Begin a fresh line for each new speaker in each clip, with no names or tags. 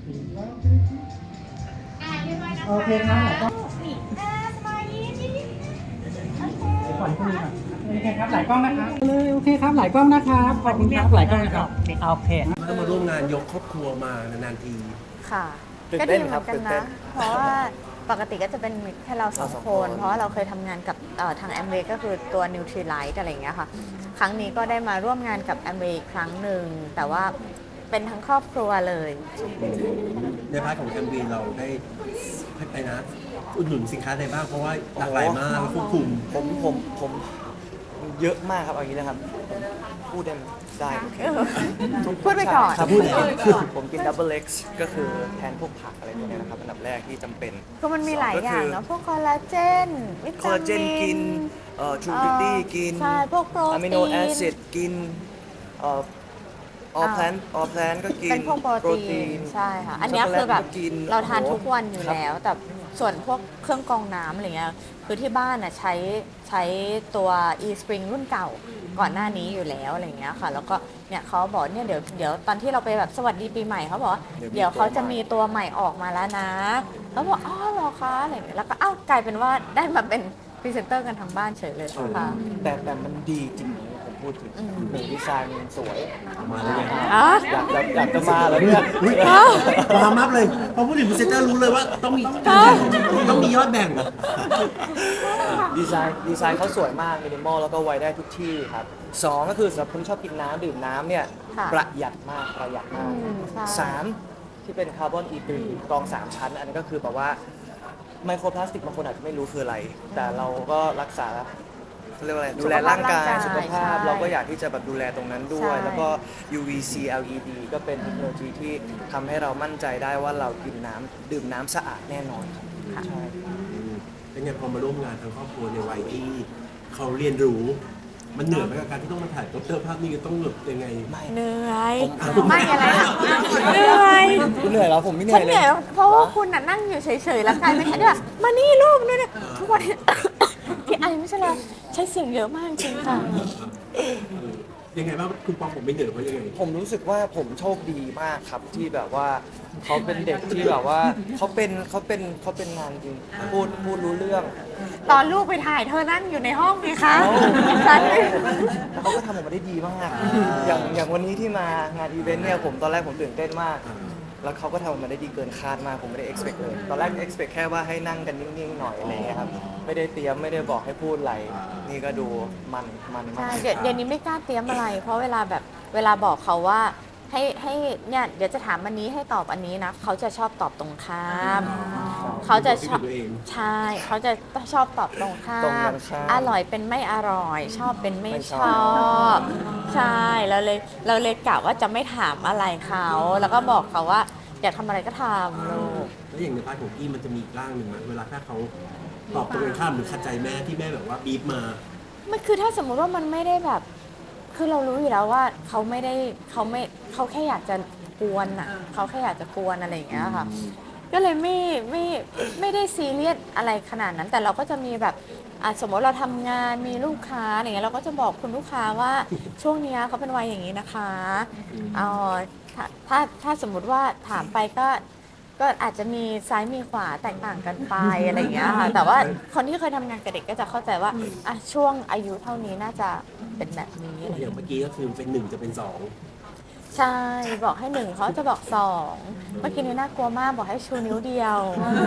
เรียบร้อยนะคะ
โอเคครับหลายกล้อง
นี่สบายดีนี่โอเค
ก่อนที่นี่ครับโอเคครับหลายกล้องนะครับเลยโอเคครับหลายกล้องนะครับขอบคุณครับหลายกล้องนะครับโอเค
ก็มาร่วมงานยกครอบครัวมานานๆที
ค่ะ
ตื่น
ก็
เต้
ดี
น
เห
ครั
มื
บ
อนกัน
ตื่นเต้
นะ
น
เพราะว่าปกติก็จะเป็นแค่เราสอง
เราสอง
ค
คน น
เพราะว่าเราเคยทำงานกับทางแอมเวย์ก็คือตัว Nutrilite อะไรอย่างเงี้ยค่ะ ครั้งนี้ก็ได้มาร่วมงานกับแอมเวย์อีกครั้งหนึ่ง แต่ว่าเป็นทั้งครอบครัวเลย
ในพาร์ทของ MV เราได้ไปนะอุดหนุนสินค้าใดบ้างเพราะว่าหลากหลายมากแล้วควบคุม
ผมเยอะมากครับเอางี้นะครับผมพูดได้ไหมได้โอเค
พูดไปก่อน
ครับพูดเลย
ผมกินดับเบิลเอ็กซ์ก็คือแทนพวกผักอะไรพวกเนี้ยนะครับอันดับแรกที่จำเป็น
คือมันมีหลายอย่างเนาะพวกคอลลาเจนวิ
คอล
ตา
ลาเจน
มิ
กิน
น
ทรูบิตี้กิน
ใช่พวกโปรตีน
อะมิโนแอซิดกินออแพลนก็กิน
เป็นพวกโปรตีนใช่ค่ะ อันเนี้ยคือแบบ
ช็กโกแลตก็กิน
เราทานทุกวันอยู่
ครับ
แล้ว แต่ส่วนพวกเครื่องกรองน้ำอะไรเงี้ยคือที่บ้านน่ะใช้ตัว e-spring รุ่นเก่าก่อนหน้านี้อยู่แล้วอะไรเงี้ยค่ะ แล้วก็เนี่ยเขาบอกเนี่ยเดี๋ยวตอนที่เราไปแบบสวัสดีปีใหม่เขาบอกว่าเดี๋ยวเขาจะมีตัวใหม่ออกมาแล้วนะแล้วบอกอ๋อเหรอคะอะไรเงี้ยแล้วก็อ้าวกลายเป็นว่าได้มาเป็นพรีเซนเตอร์กันทั้งบ้านเฉยเลยค่ะ
แต่มันดีจริงๆผมพูดถึงหนึ่งดีไซน์มันสวย
มาแล้วไง
อ๋อ
อยากจะมาแล้วเนี่ย
ความมับเลยพอพูดถึงพรีเซนเตอร์รู้เลยว่าต้องมีต้องมียอดแบ่ง
ดีไซน์เขาสวยมากมินิมอลแล้วก็ไว้ได้ทุกที่ครับสองก็คือสำหรับคนชอบกินน้ำดื่มน้ำเนี่ย
ค่ะ
ประหยัดมาก
ใช่
สามที่เป็นคาร์บอนอีทรีกรอง 3 ชั้น อันนี้ก็คือแบบว่าไมโครพลาสติกบางคนอาจจะไม่รู้คืออะไร แต่เราก็รักษาเขาเรียกว่าอะไรดูแลร่างกายสุขภาพ
ใช่
เราก็อยากที่จะแบบดูแลตรงนั้นด้วย
ใช่
แล้วก็ UVC LED ก็เป็นเทคโนโลยีที่ทำให้เรามั่นใจได้ว่าเรากินน้ำดื่มน้ำสะอาดแน่นอนครับใช่
เป็นไงพอมาร่วมงานทั้งครอบครัวในวัยที่เขาเรียนรู้ มันเหนื่อยไหมกับการที่ต้องมาถ่ายโปสเตอร์ภาพนี้ต้องแบบยังไง
เหนื่อย
ผม
ไม่อะไรนะเหนื่อย
คุณเหนื่อยแล้วผมไม่เหนื่
ฉั
อน ย
เห
เลย
นื่อยเพราะว่าคุณน่ะนั่งอยู่เฉยๆ แล้วกลายเป็นแค่แบบมานี่ลูกเนี่ยทุกวันนี้ ที่ไอไม่ใช่เลยใช้เสียงเยอะมากจริงค่ะ
ยังไงบ้างคุณปองผมไม่เหนื่อยเพราะยังไง
ผมรู้สึกว่าผมโชคดีมากครับที่แบบว่าเขาเป็นเด็กที่แบบว่าเขาเป็นงานจริงพูดรู้เรื่อง
ตอนลูกไปถ่ายเธอนั่งอยู่ในห้องไงคะฉัน
แล้วเขาก็ทำออกมาได้ดีมากอย่างวันนี้ที่มางานอีเวนต์เนี่ยผมตอนแรกผมตื่นเต้นมาก แล้วเขาก็ทำออกมาได้ดีเกินคาดมากผมไม่ได้ expect เลยตอนแรก expect แค่ว่าให้นั่งกันนิ่งๆหน่อยอะไรอย่างเงี้ยครับไม่ได้เตรียมไม่ได้บอกให้พูดอะไรนี่ก็ดูมันมา
ใช่
ก
เดี๋ยวนี้ไม่กล้าเตรียมอะไร เพราะเวลาบอกเขาว่าให้เนี่ยเดี๋ยวจะถามอันนี้ให้ตอบอันนี้นะเขาจะชอบตอบตรงข้าม เขาจะชอบ
ตัวเอง
ใช่เขาจะชอบตอบตรงข้า
ตรงกั
ม
นข้าม
อร่อยเป็นไม่อร่อย ชอบเป็นไม่
ไม่
ช
ช
อ
อบ
บ ใช่เราเลยกะว่าจะไม่ถามอะไรเขาแล้วก็บอกเขาว่าอยากทำอะไรก็ทำลูก
แล้วอย่างในพาร์ทของกี้มันจะมีอีกร่างหนึ่งไหมเวลาถ้าเขาตอบตรงกันข้ามหรือขัดใจแม่ที่แม่แบบว่าบีบมา
มันคือถ้าสมมุติว่ามันไม่ได้แบบ คือเรารู้อยู่แล้วว่าเขาแค่อยากจะกวนอ่ะเขาแค่อยากจะกวนอะไรอย่างเงี้ยค่ะ ก็เลยไม่ได้ซีเรียสอะไรขนาดนั้น แต่เราก็จะมีแบบสมมติเราทำงานมีลูกค้าอะไรเงี้ยเราก็จะบอกคุณลูกค้าว่าช่วงเนี้ยเขาเป็นวัยอย่างนี้นะคะเออถ้าสมมุติว่าถามไปก็อาจจะมีซ้ายมีขวาแตกต่างกันไปอะไรอย่างเงี้ยค่ะแต่ว่าคนที่เคยทำงานกับเด็กก็จะเข้าใจว่าช่วงอายุเท่านี้น่าจะเป็นแบบนี้อะไร
อย่างเมื่อกี้ก็คือเป็นหนึ่งจะเป็นสอง
ใช่บอกให้หนึ่งเขาจะบอกสองเมื่อกี้นี้น่ากลัวมากบอกให้ชูนิ้วเดียว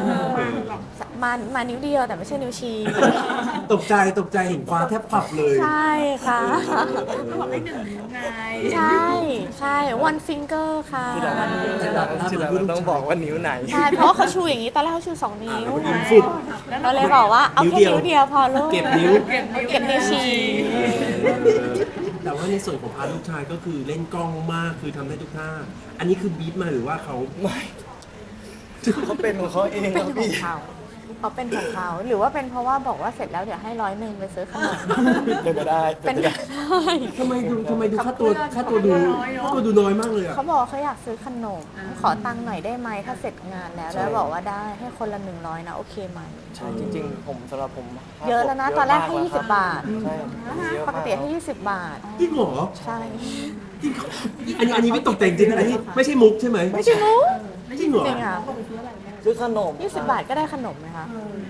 มานิ้วเดียวแต่ไม่ใช่นิ้วชี้
ตกใจเห็นความแทบปับเลย
ใช่ค่ะ
บอกให้หนึ่งนิ้วไง
ใช่ one finger ค่ะ
ทีหลังต้องบอกว่านิ้วไหน
ใช่เพราะว่าเขาชูอย่างนี้ตอนแรกเขาชู2 นิ้ว
นิ้วฟุด
เราเลยบอกว่าเอาแค่นิ้วเดียวพอลูก
เก็บนิ้ว
เก็บนิ้วชี้
แต่ว่าในส่วนของพาร์ทลูกชายก็คือเล่นกล้องมากคือทำได้ทุกท่า อันนี้คือบีบมาหรือว่าเขา
ไม่เขาเป็นของเขาเอง
เป็น
ครับ
ของ
พี่
เขาเป็นของเขาหรือว่าเป็นเพราะว่าบอกว่าเสร็จแล้วเดี๋ยวให้100ไปซื้อขนม
เป็นไปได้
เป็นไปได้
ทำไมดูค่าตัวดูน้อยมากเลยอ่ะ
เขาบอกเขาอยากซื้อขนม ขอตังค์หน่อยได้ไหมถ้าเสร็จงานแล้วบอกว่าได้ให้คนละ100นะโอเคไหม
ใช่จริงๆผมสำหรับผม
เยอะแล้วนะตอนแรกให้20 บาท
ใช่เยอะ
ป
มาก
ติให้20 บาท
จริงเหรอ
ใช่
จริงอันนี้ไม่ตกแต่งจริงนะอันนี้ไม่ใช่มุกใช่ไหม
ไม่ใช่มุก
จริงเหรอ
จริงอ่ะ
ซื้อขนม
20 บาทก็ได้ขนมไหมคะ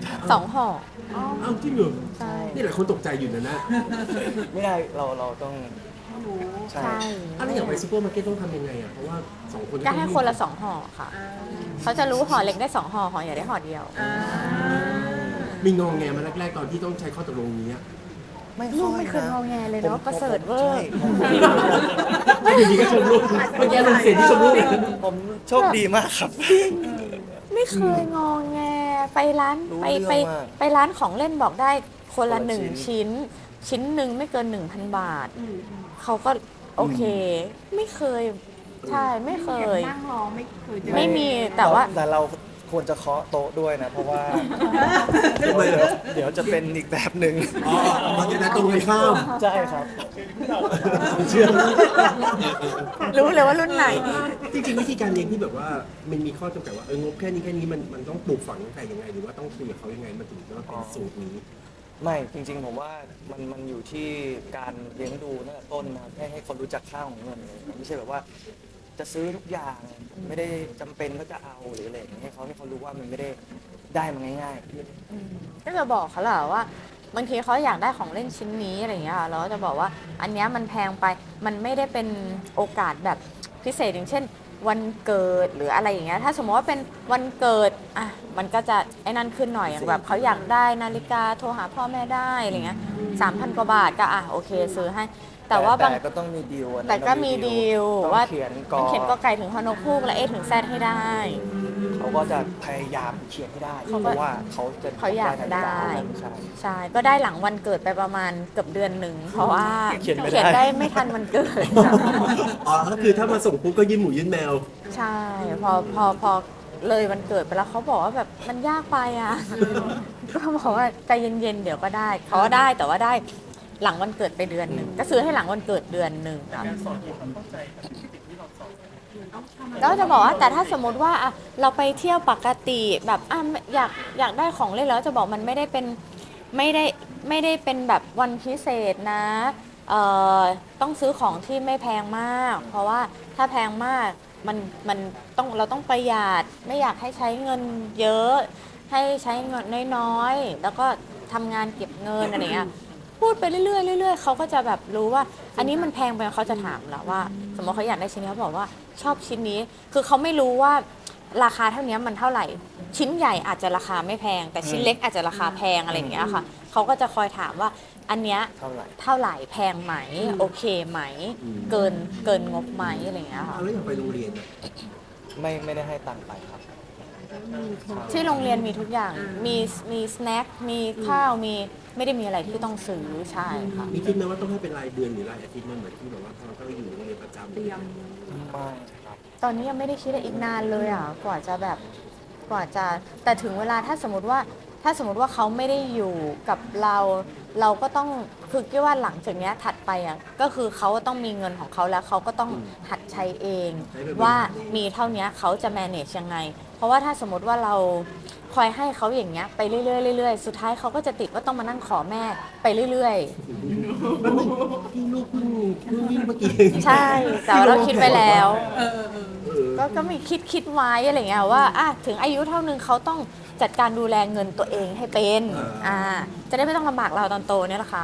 2 ห่อ
อ้าวจริงเหรอ
ใช่
นี่หลายคนตกใจอยู่นะ
ไม่ได้เราต้องใช่
ใช่
อะไรอย่างไปซูเปอร์มาร์เก็ตต้องทำยังไงอ่ะเพราะว่า2 คน
ก็ให้คนละ2 ห่อค่ะ เขาจะรู้ห่อเล็กได้2 ห่อห่อใหญ่ได้ห่อเดียว
มีงองแงมาแรกๆตอนที่ต้องใช้ข้อตกลงนี้อะ
ลูกไม่เคยงอแงเลยเนาะประเสริฐเวอร์
ไม่อยู่ดีก็ชมลูกเมื่อกี้ลงเสียงที่ชมลูก
ผมโชคดีมากครับ
ไม่เคยงอแงไปร้าน
รู้
ไป
เรื่อง
ไป
มาก
ไปร้านของเล่นบอกได้คนละ
คนละ
1
ชิ้น
ชิ้นหนึ่งไม่เกิน 1,000 บาท เขาก็โอเค ไม่เคย ใช่ไม่เคย
นั่งรอไม่เคยเจอ
ไม่มีแต่ว่า
แต่เราควรจะเคาะโต๊ะด้วยนะ เพราะว่า
ทำไมเหรอ
เดี๋ยวจะเป็นอีกแบบหนึ่ง
อ๋อมันจะได้ตรงกันข้าม
ใช่ครับ
เชื่อ
รู้เลยว่ารุ่นไหน
จริงๆวิธีการเลี้ยงที่แบบว่ามันมีข้อจำกัดว่าเอองบแค่นี้มันต้องปลูกฝังตั้งแต่ยังไง หรือว่าต้องคุยกับเขายังไงมันถึงจะเป็นสูตรนี้
ไม่จริงๆผมว่ามันอยู่ที่การเลี้ยงดูตั้งแต่ต้นนะครับให้คนรู้จักค่าของเงินเลยไม่ใช่แบบว่า จะซื้อทุกอย่างไม่ได้จำเป็นก็จะเอาหรืออะไรอย่างเงี้ยให้เขารู้ว่ามันไม่ได้ได้มาง่ายๆ
ก็จะบอกเขาแหละว่าบางทีเขาอยากได้ของเล่นชิ้นนี้อะไรอย่างเงี้ยค่ะเราก็จะบอกว่าอันเนี้ยมันแพงไปมันไม่ได้เป็นโอกาสแบบพิเศษอย่างเช่น วันเกิดหรืออะไรอย่างเงี้ยถ้าสมมติว่าเป็นวันเกิดอ่ะมันก็จะไอ้นั่นขึ้นหน่อยอย่างแบบเขาอยากได้นาฬิกาโทรหาพ่อแม่ได้อะไรเงี้ย3,000 กว่าบาทก็อ่ะโอเคซื้อให้แต่ว่าบาง
แต่ก็ต้องมีดีลอันนั้น
แต่ก็มีดีล
ต้อง
ว่า
เขียนก
ต้องเขียนก็
อ
ไก่ถึงฮอนกพูกและเอถึงแซดให้ได้
เขาก็จะพยายามเขียนให้ได้
เขา
เพ
ก็
ราะว่าเขาจะ
เขาอยากได้
ใช่
ใช่ ก็ได้หลังวันเกิดไปประมาณเกือบเดือนหนึ่ง เพราะว่า
เขียนไม่ได้
ได้ไม่ทันวันเกิด
อ๋อก็คือถ้ามาส่งปุ๊บก็ยื่นหมูยื่นแมว
ใช่ พอเลยวันเกิดไปแล้วเขาบอกว่าแบบมันยากไปอ่ะ ก็บอกว่าใจเย็นๆเดี๋ยวก็ได้เขาก็ได้แต่ว่าได้หลังวันเกิดไปเดือนหนึ่งก็ซื้อให้หลังวันเกิดเดือนหนึ่งครับแล้วจะบอกว่าแต่ถ้าสมมติว่าอ่ะเราไปเที่ยวปกติแบบอ่ะอยากได้ของเล่นแล้วจะบอกมันไม่ได้เป็นไม่ได้เป็นแบบวันพิเศษนะต้องซื้อของที่ไม่แพงมาก เพราะว่าถ้าแพงมากมันต้องเราต้องประหยัดไม่อยากให้ใช้เงินเยอะ ให้ใช้เงินน้อยๆแล้วก็ทำงานเก็บเงินอะไรเงี้ยพูดไปเรื่อยๆเรื่อยๆเขาก็จะแบบรู้ว่า อันนี้มันแพงไปเขาจะถามแล้วว่า สมมติเขาอยากได้ชิ้นนี้เขาบอกว่าชอบชิ้นนี้ คือเขาไม่รู้ว่าราคาเท่านี้มันเท่าไหร่ ชิ้นใหญ่อาจจะราคาไม่แพง แต่ชิ้นเล็กอาจจะราคาแพงอะไรอย่างเงี้ยค่ะเขาก็จะคอยถามว่าอันเนี้ย
เท่าไหร่
เท่าไหร่แพงไหมโอเคไหม เกินงบไหมอะไรอย่างเงี้ยค่ะ
แล้วอย่างไปโรงเรียนอะ
ไม่ได้ให้ตังค์ไปครับ
ที่โรงเรียนมีทุกอย่างมีสแน็คมีข้าวมีไม่ได้มีอะไรที่ต้องซื้อใช่ค่ะ
มีคิดไหมว่าต้องให้เป็นรายเดือนหรือรายอาทิตย์มันเหมือนที่แบบว่าเราต้องอยู่โรงเรียนประจำ
ไม่ครับ
ตอนนี้ยังไม่ได้คิดอะไรอีกนานเลยอ่ะกว่าจะแต่ถึงเวลาถ้าสมมติว่าเขาไม่ได้อยู่กับเราก็ต้องคือคิดว่าหลังจากเนี้ยถัดไปอ่ะก็คือเขาต้องมีเงินของเขาแล้วเขาก็ต้องหัดใช้เอง ว่ามีเท่านี้เขาจะ manage ยังไง เพราะว่าถ้าสมมติว่าเราคอยให้เขาอย่างเงี้ยไปเรื่อยๆเรื่อยๆสุดท้ายเขาก็จะติดว่าต้องมานั่งขอแม่ไปเรื่อยๆ
แล้วที่ลูกเพิ่งวิ่งเมื่อกี้
ใช่ แต่ว่าเราคิดไปแล้ว
เออ
ก็มีคิดไว้อะไรเงี้ยว่าอ่ะถึงอายุเท่านึงเขาต้องจัดการดูแลเงินตัวเองให้เป็นจะได้ไม่ต้องลำบากเราตอนโตเนี่ยแหละค่ะ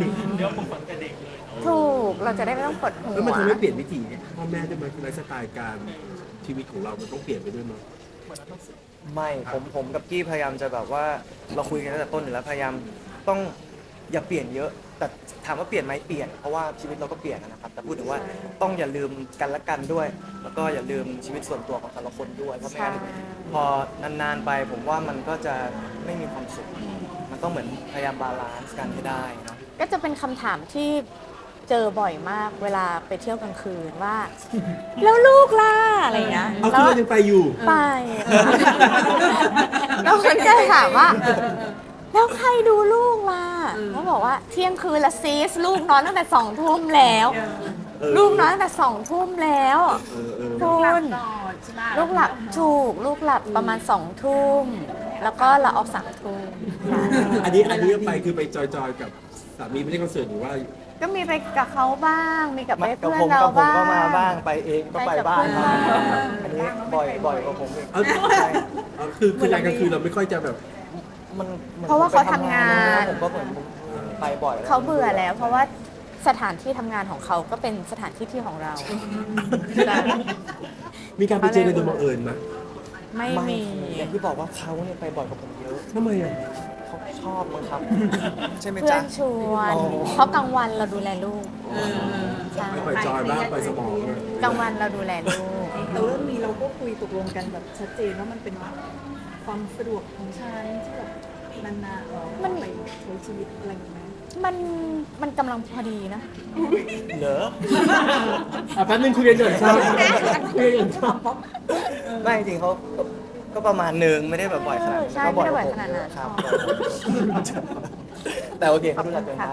ถูกเราจะได้ไม่ต้องปวดหั
แล้วมัน
ว
ทำให้เปลี่ยนวิถีพ่อแม่ด้วยมั้ยไลฟ์สไตล์การชีวิตของเรามันต้องเปลี่ยนไปด้วยมั้ย
ไม่ผมกับกี้พยายามจะแบบว่าเราคุยกันตั้งแต่ต้นอยู่แล้วพยายามต้องอย่าเปลี่ยนเยอะ แต่ถามว่าเปลี่ยนไหมเปลี่ยนเพราะว่าชีวิตเราก็เปลี่ยนนะครับแต่พูดถึงว่าต้องอย่าลืมกันและกันด้วย แล้วก็อย่าลืมชีวิตส่วนตัวของแต่ละคนด้วยเพราะไม่งั้นพอนานๆไปผมว่ามันก็จะไม่มีความสุขมันต้องเหมือนพยายามบาลานซ์กันให้ได้เนาะ
ก็จะเป็นคำถามที่เจอบ่อยมากเวลาไปเที่ยวกลางคืนว่า แล้วลูกล่ะอะไรเงี้ย
เอา
แล้
คือ
ว
เรายังไปอยู่
ไปค่ะแล้วมันก็ถามว่า แล้วใครดูลูกล่ะเขาบอกว่าเที่ยงคืนละซีสลูกนอนตั้งแต่2 ทุ่มแล้ว ลูกนอนตั้งแต่2 ทุ่มแล้วคุณลูกหลับถูกลูกหลับประมาณ2 ทุ่มแล้วก็เราออก3 ทุ่ม
อันนี้ไปคือไปจอยๆกับสามีไปเล่นคอนเสิร์ตหรือว่า
ก็มีไปกับเขาบ้าง มีกับ
มา
เพื่อน
ผม
เรา
กับผม
บ้าง
ก็มาบ้างไปเองก็ไปบ้าง
ไปกับเพื่อนบ้าง
อันนี้บ่อยกว่าผมอีก
เอาเอาคือรายกลางคืนเราไม่ค่อยจะแบบ
มันหมือน
เพราะว่าเขา
ผมไป
ทำงาน
ผมก็เหมือนไปบ่อยแล้ว
เขาเบื่อแล้ว เพราะว่าสถานที่ทำงานของเขาก็เป็นสถานที่ที่ของเราใช่
มีการไปเจอกันโดยบังเอิญไหม
ไม่มี
อย่างที่บอกว่าเขาเนี่ยไปบ่อยกว่าผมเยอะ
ทำไมอ่ะ
เขาชอบมั้งครับ ใช่ไหม
เพื่อ
จ๊ะ
นชวน
อ๋อ
เพราะกลางวันเราดูแลลูกใช่
ไปจอยบ้างไปสมองอะ
กลางวันเราดูแลลูก
แต่เรื่องนี้เราก็คุยตกลงกันแบบชัดเจนว่ามันเป็นความสะดวกของฉันที่แบบนานๆเราไปใช้ชีวิตอะไรอย่างเงี้ย
มันกำลังพอดีนะ
เหรอ
แป๊บนึงคุยกันก่อนครับคุยกันก่อน
ไม่จริงๆเขาก็ประมาณหนึ่งไม่ได้แบบบ่อยขนาดนั้น
ใช่
ก็
ไม่ได้บ่อย
ก
ขนาดนั้น
ครับแต่โอเคเขาดูแลตัวเองได้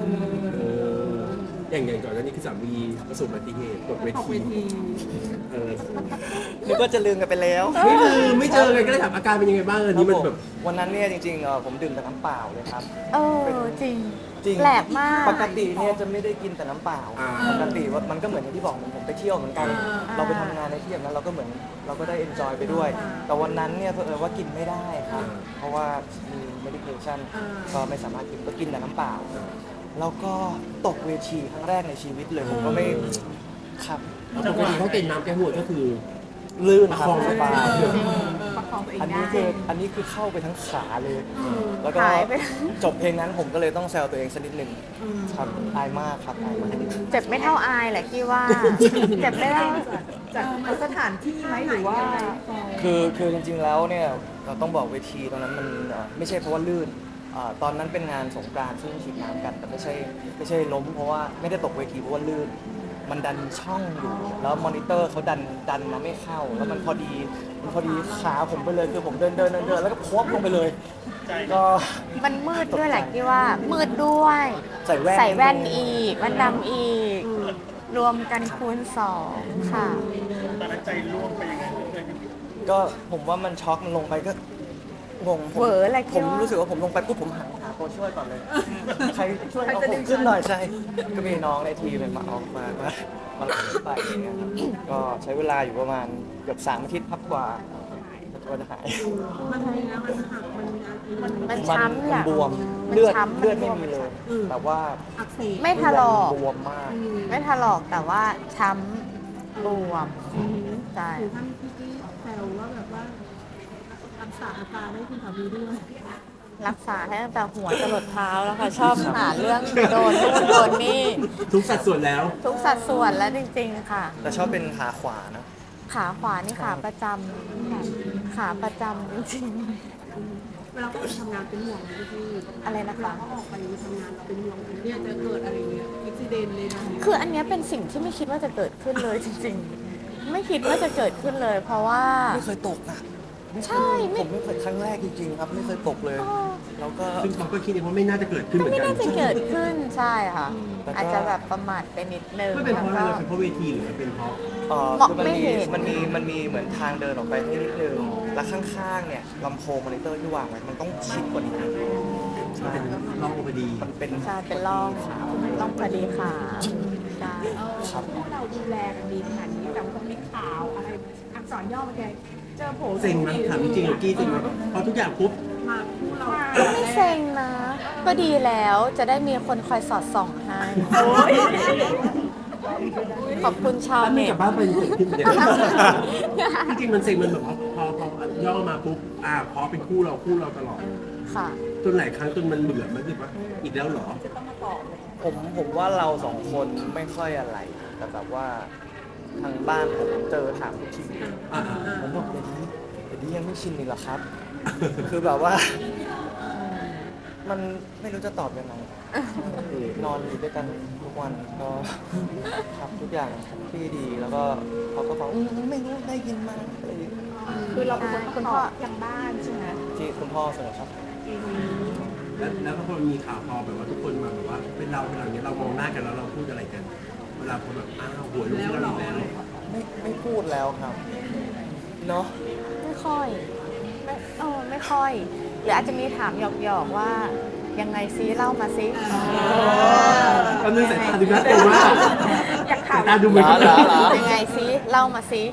อย่างก่อนหน้านี้คือสามีประสบอุบัติเหตุตกเว
ออกเว
ที
ที
เออ
นึกว่าจะลืมกันไปแล้ว
ไม่เจอกันก็เลยถามอาการเป็นยังไงบ้างอันนี้มันแบบ
วันนั้นเนี่ยจริงๆผมดื่มแต่น้ำเปล่าเลยครับ
เออจริง
จริง
แปลกมาก
ปกติเนี่ยจะไม่ได้กินแต่น้ำเปล่า
อ่า
ปกติว่ามันก็เหมือนอย่างที่บอกเหมือนผมไปเที่ยวเหมือนกัน เราไปทำงานในที่อย่างนั้นเราก็เหมือนเราก็ได้เอนจอยไปด้วย แต่วันนั้นเนี่ยเผอิญว่ากินไม่ได้ครับ เพราะว่ามี medication ก็ไม่สามารถกินก็กินแต่น้ำเปล่า แล้วก็ตกเวทีครั้งแรกในชีวิตเลยผมก็ไม่ครับ
ปกติเขาเก่งน้ำแก้หัวก็คือ
ลื่นครับ
ประคอง
สบาย
ประคองตัวเอง
อัน
ได้
นี้คือเข้าไปทั้งขาเลย แล้วก็
หายไป
จบเพลงนั้นผมก็เลยต้องแซวตัวเองสักนิดหนึ่งครับอายมากครับอายมาก
เจ็บไม่เท่าอายแหละพี่ว่า เจ็บไม่เท่า
จากสถานที่ไหมหรือว่า
คือจริงๆแล้วเนี่ยเราต้องบอกเวทีตอนนั้นมันไม่ใช่เพราะว่าลื่นตอนนั้นเป็นงานสงกรานต์ซึ่งฉีดน้ำกันแต่ไม่ใช่ล้มเพราะว่าไม่ได้ตกเวทีเพราะว่าลื่น มันดันช่องอยู่แล้วมอนิเตอร์เขาดันมาไม่เข้า แล้วมันพอดีขาผมไปเลยคือผมเดินแล้วก็พวบลงไปเลยก็
มันมืดด้วยแหละพี่ว่า มืดด้วย
ใส่แว่น
ใส่แว่นอีกแว่นดำอีก รวมกันคูณ2ค่ะ
ก็ผมว่ามันช็อกมันลงไปก็งง
เหวออะไร
ผ
พี่
ม
ว่า
รู้สึกว่าผมลงไปปุ๊บผมหาตัวช่วยก่อนเลย ใครช่วยเอาผมขึ้นหน่อยใช่ ก็มีน้องในทีมมาเอามาหลังไปอย่างเงี้ยครับก็ใช้เวลาอยู่ประมาณเกือบ3 อาทิตย์พักกว่าจะหาย
มันมีนะมันหักมันมี
มันช้ำแหละ
มันบวม
มัน
เลือด
ช้ำ
เลือดไม่มีเลย แต่ว่า
อักเสบ
ไม่ถลอก
บวมมาก
ไม่ถลอกแต่ว่าช้ำบวมใช่
ถึงท่านพี่กี้แซวว่าแบบว่ารักษาอาการให้คุณสามีด้วย
รักษาให้ตั้งแต่หัวจรดเท้าแล้วค่ะ ชอบหาเรื่องโดนนู่นโดนนี่
ทุกสัดส่วนแล้ว
ทุกสัดส่วนแล้วจริงๆค่ะ
แต่ชอบเป็นขาขวานะ
ขาขวานี่ขาประจำขาประจำจริง
เวลาเขาไปทำงานเป็นห่วงไหมพี่
ๆอะไรนะ
เวลา
คะ
เขาออกไปทำงานเราเป็นห่วงเนี่ยจะเกิดอะไรเงี้ยอุบิเหตุเลยนะ
คืออันเนี้ยเป็นสิ่งที่ไม่คิดว่าจะเกิดขึ้นเลยจริงๆ ไม่คิดว่าจะเกิดขึ้นเลย เพราะว่า
ไม่เคยตกนะ
ใช่ไม่
ผมไม่เคยครั้งแรกจริงๆครับ ไม่เคยตกเลย แล้วก็
ซึ่งเขาก็คิดเองว่าไม่น่าจะเกิดขึ้นเหมือน
ไม่
กัน
น่าจะเกิดขึ้นใช่ค่ะ
แต่ก็
อาจจะแบบประมาทไปนิดนึง
ไม่เป็นเพราะอะไร
แล้ว
เราเป็นเพราะเวทีหรือมันเป็นเพราะ
มอง
คือมัน
ไม่
มี
เห็น
มันมีเหมือนทางเดินออกไปนิดนึงแล้วข้างๆเนี่ยลำโพงมอนิเตอร์ที่วางไว้มันต้องชิดกว่านี้
มันเป็นร่องพอดี
มันเป็น
ใช่เป็นร่องต้องพอดีขาใช่
ครับ
พวกเราดูแลกันดีขนาดนี้แต่ว่าต้องมีข่าวอะไรอักษรย่อมาแกเจอโผล่
เซ็งไหมถามจริงๆหรือกี้เซ็งไหมพอทุกอย่างปุ๊บ
มาคู่เรา
ก็ไม่เซ็งนะ ก็ดีแล้วจะได้มีคนคอยสอดส่องให้ขอบคุณชาว
ถ้าไม่
เน็
ก
ต
ลับบ้านไปเกิดขึ้นเหมือนกันจริงๆมันเซ็งมันแบบพอย่อมาปุ๊บพอเป็นคู่เราตลอด
ค่ะ
จนหลายครั้งจนมันเบื่อมันคือว่าอีกแล้วเหรอ
ผมว่าเราสองคนไม่ค่อยอะไร แต่แบบว่าทางบ้านผมเจอถามทุกที
อ่า
ผมบอกเดี๋ยวนี้ยังไม่ชินอีกเหรอครับ คือแบบว่า มันไม่รู้จะตอบยังไงนอนอยู่ด้วยกันทุกวันก็ครับทุกอย่างที่ดีแล้วก็เขาก็บอกไม่รู้ได้ยินมาอะไรอย่างเงี้ย
คือเราเป็นคน
คุณ
ต
พ่อ
อบยังบ้านใช่ไหม
ที่คุณพ่อเสนอครับ
แล้วพอมีข่าวพอแบบว่าทุกคนมาแบบว่าเป็นเราอย่างเงี้ยเรามองหน้ากันแล้วเราพูดอะไรกัน เวลาคนแบบหัวลูกเราอีกแล้ว
ไม่พูดแล้วครับ เนาะ
ไม่ค่อยไม่ค่อย หรืออาจจะมีถามหยอกๆว่ายังไงซิเล่ามาซิ
ก็นึกสายตาดูน่ากลัวมาก
อยาก
สา
ถาม
ยตาดูเหมือนกัน
ยังไงซิเล่ามาซิ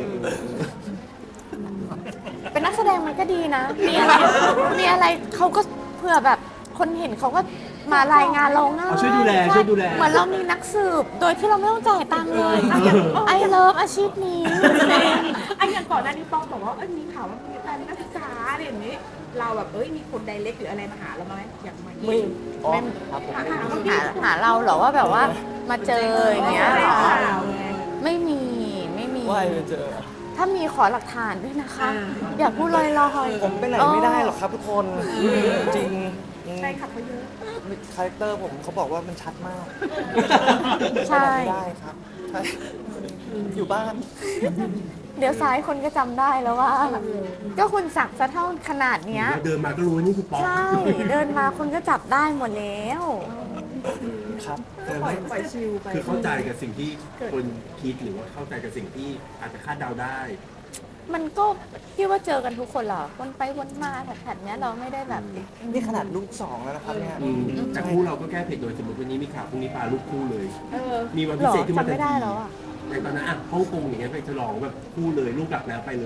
เป็นนักแสดงมันก็ดีนะ มีอะไรเขาก็เผื่อแบบคนเห็นเขาก็มารายงานเราง่าย
ช่วยดูแลช่วยดูแล
เหมือนเรามีนักสืบ โดยที่เราไม่ต้องจ่ายตังค์เลยไอเลิฟอาชีพนี้
ไอ้อย่างก่อนหน้านี้ป้องบอกว่ามีข่าวว่ามีการนักศึกษาอะไรอย่างนี้ เราแบบมีคนไดเรกหรืออะไรมาหาเราไหมอยากมา
ไม่อ๋อครับผม
หาเราเหรอว่าแบบว่ามาเจออย่างเงี้ยเหรอ
ข่าวไง
ไม่มี
ว่ายไปเจอ
ถ้ามีขอหลักฐานด้วยนะคะ อย่าพูดลอยๆ
ผมไปไหนไม่ได้หรอกครับทุกคนจริง
ใช่ขับเขาเยอะ
คาแรคเตอร์ผมเขาบอกว่ามันชัดมาก
ใช่
ไปไหนไม่ได้ครับใช่อยู่บ้าน
เดี๋ยวซ้ายคนก็จำได้แล้วว่า ก็คุณสักซะเท่าขนาดเนี้ย
เดินมาก็รู้ว่านี่คือป๊อก
ใช่ เดินมาคุณก็จับได้หมดแล้ว
ครับ
ปล่อยชิลไป
คือเข้าใจกับสิ่งที่คนคิดหรือว่าเข้าใจกับสิ่งที่อาจจะคาดเดาได้
มันก็คิดว่าเจอกันทุกคนเหรอวนไปวนมาแถบๆเนี้ยเราไม่ได้แบบ
นี่ขนาดลูกสองแล้วนะครับเนี่ย
แต่คู่เราก็แก้เผ็ดโดยสมมติวันนี้มีข่าวพรุ่งนี้ปลาลูกคู่เลย มีวัน
ห
พิ
รอ
เศษขึ้นมา
จำไม่ได้แล้วอ่ะ
ในตอนนั้นอ่ะฮ่องกงอย่างเงี้ยไปฉลองแบบคู่เลยลูกกลับแล้วไปเลย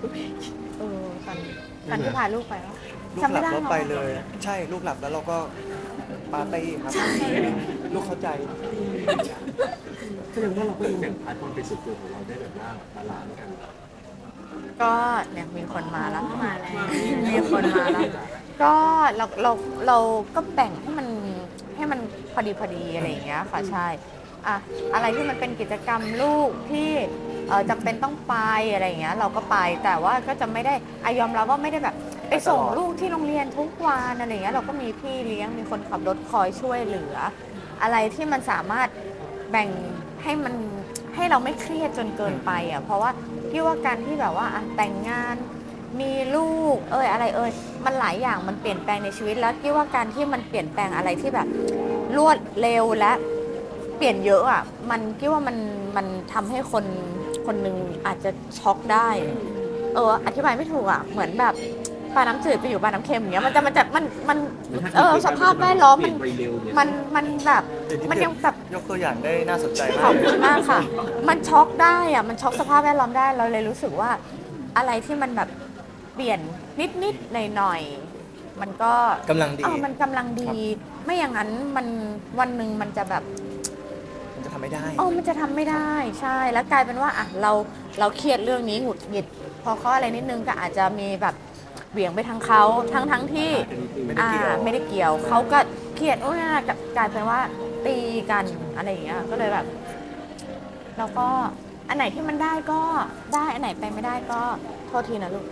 ตอนที่พาลูกไปวะ
ลูก
จำ
หลั
ไม่
บ
ได้
แล้วไปเลย ใช่ลูกหลับแล้วเราก็ปาร์ตี้ครับลูกเข้าใจ
แสดงว่าเราก็ยังแบ่งพาร์ทความเป็นส่วนตัวของเราได้แบบว่าบาลานซ์กัน
ก็เนี่ยมีคนมาแล้วมีคนมาแล้ว ก็เราก็แบ่งให้มันพอดีอะไรอย่างเงี้ยค่ะใช่อะอะไรที่มันเป็นกิจกรรมลูกที่จำเป็นต้องไปอะไรอย่างเงี้ยเราก็ไปแต่ว่าก็จะไม่ได้ยอมรับว่าไม่ได้แบบไปส่งลูกที่โรงเรียนทุกวันอะไรอย่างเงี้ยเราก็มีพี่เลี้ยงมีคนขับรถคอยช่วยเหลือ อะไรที่มันสามารถแบ่งให้เราไม่เครียดจนเกินไปอ่ะเพราะว่าพี่ว่าการที่แบบว่าอะแต่งงานมีลูกอะไรมันหลายอย่างมันเปลี่ยนแปลงในชีวิตแล้วพี่ว่าการที่มันเปลี่ยนแปลงอะไรที่แบบรวดเร็วและเปลี่ยนเยอะอ่ะมันคิดว่ามันทำให้คนหนึ่งอาจจะช็อกได้อธิบายไม่ถูกอ่ะเหมือนแบบปลาน้ำจืดไปอยู่ปลาน้ำเค็มอย่างเงี้ยมันสภาพแวดล้อมมันแบบมันยังแบบ
ยกตัวอย่างได้น่าสนใจ
ข
มา
อก บคุณมากค่ะ มันช็อกได้อะมันช็อกสภาพแวดล้อมได้ เราเลยรู้สึกว่าอะไรที่มันแบบเปลี่ยนนิดๆหน่อยๆมันก็
กำลังดี
มันกำลังดี ไม่อย่างนั้นมันวันหนึ่งมันจะแบบ
มันจะทำไม่ได้
มันจะทำไม่ได้ ใช่ แล้วกลายเป็นว่าเราเครียดเรื่องนี้หงุดหงิด พอเขาอะไรนิดนึงก็อาจจะมีแบบเหวี่ยงไปทางเขาทั้งที่
ไม่ได้เกี่ยว
ไม่ได้เกี่ยวเขาก็เครียดกลายเป็นว่าตีกันอะไรอย่างเงี้ยก็เลยแบบ เราก็อันไหนที่มันได้ก็ได้อันไหนไปไม่ได้ก็โทษทีนะลูก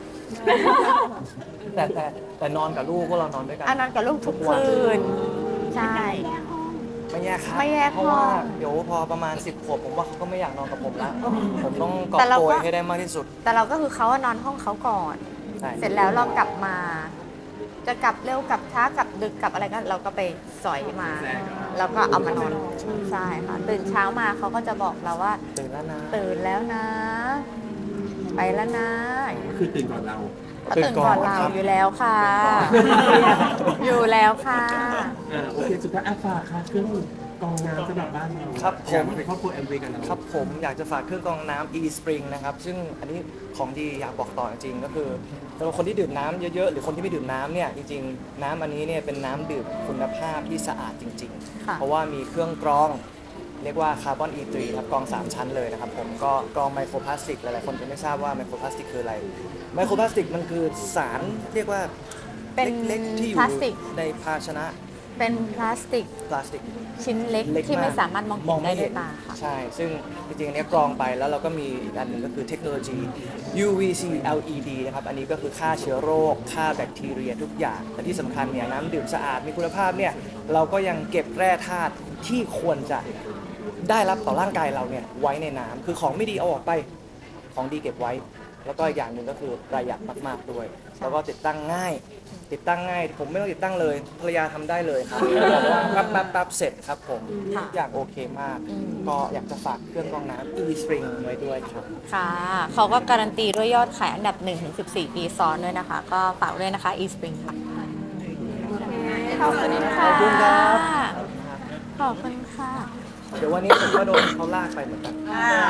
แต่นอนกับลูกพวกเรานอนด้วยกัน
นอนกับลูกทุกคืนใช่
ไม่แยกครับ
ไม่แยก
เพราะว่า
ห้อง
เดี๋ยวพอประมาณ10 ขวบผมว่าเขาก็ไม่อยากนอนกับผมละผมต้องกอบ
แต่เรา
โก
ก็
ยให้ได้มากที่สุด
แต่เราก็คือเขานอนห้องเขาก่อน
ใช่
เสร็จแล้วเรากลับมา จะกลับเร็วกลับช้ากลับดึกกลับอะไรก็เราก็ไปสอยมา แล้วก็เอามานอนใช่ค่ะตื่นเช้ามาเขาก็จะบอกเราว่า
ตื่นแล้วนะ
ตื่นแล้วนะ ไปแล้วนะ
ก็คือตื่นก่อนเรา
เขาตื่นก่อนเรา
ครับ
อยู่แล้วค่ะ อยู่แล้วค่ะ
โอเคสุดท้ายฝากค่ะเครื่องกรองน้ำสำหรับบ้านเรา
ครับผม
อยากเป็นครอบครัวแอมเวย์กันเรา
ครับผมอยากจะฝากเครื่องกรองน้ำ e-spring นะครับ ซึ่งอันนี้ของดีอยากบอกต่อจริงๆก็คือสำหรับคนที่ดื่มน้ำเยอะๆ หรือคนที่ไม่ดื่มน้ำเนี่ยจริงๆ น้ำอันนี้เนี่ยเป็นน้ำดื่มคุณภาพที่สะอาดจริง
ค่ะ
ๆ เพราะว่ามีเครื่องกรอง เรียกว่าคาร์บอน E3 ครับกรอง 3 ชั้นเลยนะครับผมก็กรองไมโครพลาสติกหลายๆคนจะไม่ทราบว่าไมโครพลาสติกคืออะไรไมโครพลาสติกมันคือสารเรียกว่า
เป็น
เล็กๆที่อ
พ
ยู่
ลาสติก
ในภาชนะ
เป็นพลาสติก
พลาสติก
ชิ้นเล็ก
เล็ก
ที่ไม่
ก
สามารถมองเห็นได้ด้วยตาค่ะ
ใช่ ซึ่งจริงๆอันเนี้ยกรองไปแล้วเราก็มีอีกอันหนึ่งก็คือเทคโนโลยี UVC LED นะครับ อันนี้ก็คือฆ่าเชื้อโรคฆ่าแบคทีเรียทุกอย่าง แต่ที่สำคัญเนี่ยน้ำดื่มสะอาดมีคุณภาพเนี่ยเราก็ยังเก็บแร่ธาตุที่ควรจะได้รับต่อร่างกายเราเนี่ยไว้ในน้ำคือของไม่ดีเอาออกไปของดีเก็บไว้ แล้วก็อีกอย่างหนึ่งก็คือประหยัดมากๆด้วย แล้วก็ติดตั้งง่าย ผมไม่ต้องติดตั้งเลยภรรยาทำได้เลยครับบอกว่าปั๊บเสร็จครับผม
ค่ะ
ทุกอย่างโอเคมาก ก็อยากจะฝากเครื่องกรองน้ำ e-spring ไว้ด้วยครับ
ค่ะ เขาก็การันตีด้วยยอดขายอันดับ 1-14 ปีซ้อนด้วยนะคะ ก็ฝากด้วยนะคะ eSpring ค่ะขอบคุณค่ะ
ขอบคุณครับ
ขอบคุณค่ะ
เดี๋ยววันนี้ผมก็โดนเขาลากไปเหมือนกัน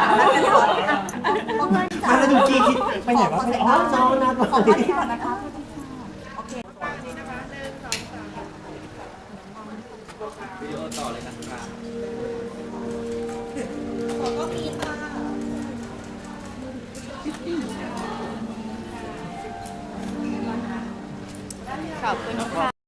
มาแล้วดูจีคิดไปไหนวะอ๋อน้องนัด
ขอพักก่อนนะคะโอเค
ขอบคุณค่ะ